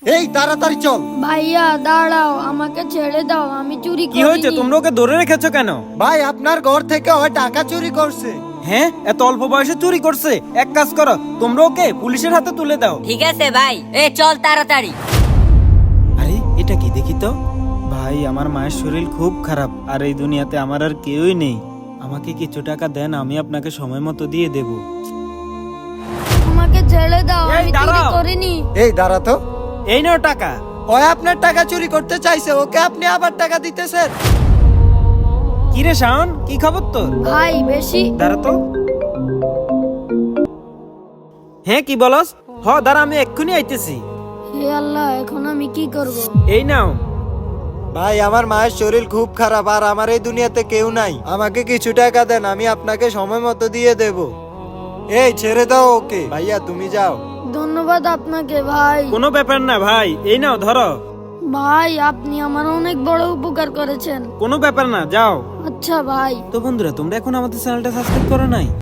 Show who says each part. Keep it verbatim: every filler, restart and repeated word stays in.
Speaker 1: এই তাড়াতাড়ি চল।
Speaker 2: ভাইয়া দাঁড়াও, আমাকে ছেড়ে দাও, আমি চুরি
Speaker 3: কি হয়েছে?
Speaker 2: করিনি।
Speaker 3: তোমরা ওকে ধরে রেখেছো কেন?
Speaker 1: ভাই আপনার ঘর থেকে ওই টাকা চুরি করছে।
Speaker 3: হ্যাঁ, এত অল্প বয়সে চুরি করছে? এক কাজ করো, তোমরা ওকে পুলিশের হাতে তুলে দাও।
Speaker 4: ঠিক আছে ভাই, এ চল তাড়াতাড়ি।
Speaker 3: আরে এটা কি দেখি তো। ভাই আমার মায়ের শরীর খুব খারাপ, আর এই দুনিয়াতে আমার আর কেউই নেই। আমাকে কিছু টাকা দেন, আমি আপনাকে সময় মতো দিয়ে দেব।
Speaker 2: আমাকে ছেড়ে দাও,
Speaker 3: এই,
Speaker 2: আমি চুরি
Speaker 3: দাঁড়াও।
Speaker 2: করিনি।
Speaker 1: এই দাঁড়া তো,
Speaker 3: এই নাও টাকা।
Speaker 1: ওই আপনার টাকা চুরি করতে চাইছে, ওকে আপনি আবার টাকা দিতেছেন।
Speaker 3: কি রে শাওন, কি খবর তোর?
Speaker 2: ভাই বেশি।
Speaker 3: দাঁড়া তো। হ্যাঁ কি বলস? হ দাঁড়া, আমি এক্ষুনি আইতেছি।
Speaker 2: হে আল্লাহ, এখন আমি কি করব?
Speaker 3: এই নাও।
Speaker 1: ভাই আমার মায়ের শরীর খুব খারাপ, আর আমার এই দুনিয়াতে কেউ নাই। আমাকে কিছু টাকা দেন, আমি আপনাকে সময় মতো দিয়ে দেব। এই ছেড়ে দাও ওকে। ভাইয়া তুমি যাও।
Speaker 2: ধন্যবাদ আপনাকে ভাই।
Speaker 3: কোনো ব্যাপার না ভাই, এই নাও ধরো।
Speaker 2: ভাই আপনি আমার অনেক বড় উপকার করেছেন।
Speaker 3: কোনো ব্যাপার না, যাও।
Speaker 2: আচ্ছা ভাই।
Speaker 3: তো বন্ধুরা, তোমরা এখন আমাদের চ্যানেলটা সাবস্ক্রাইব করো নাই?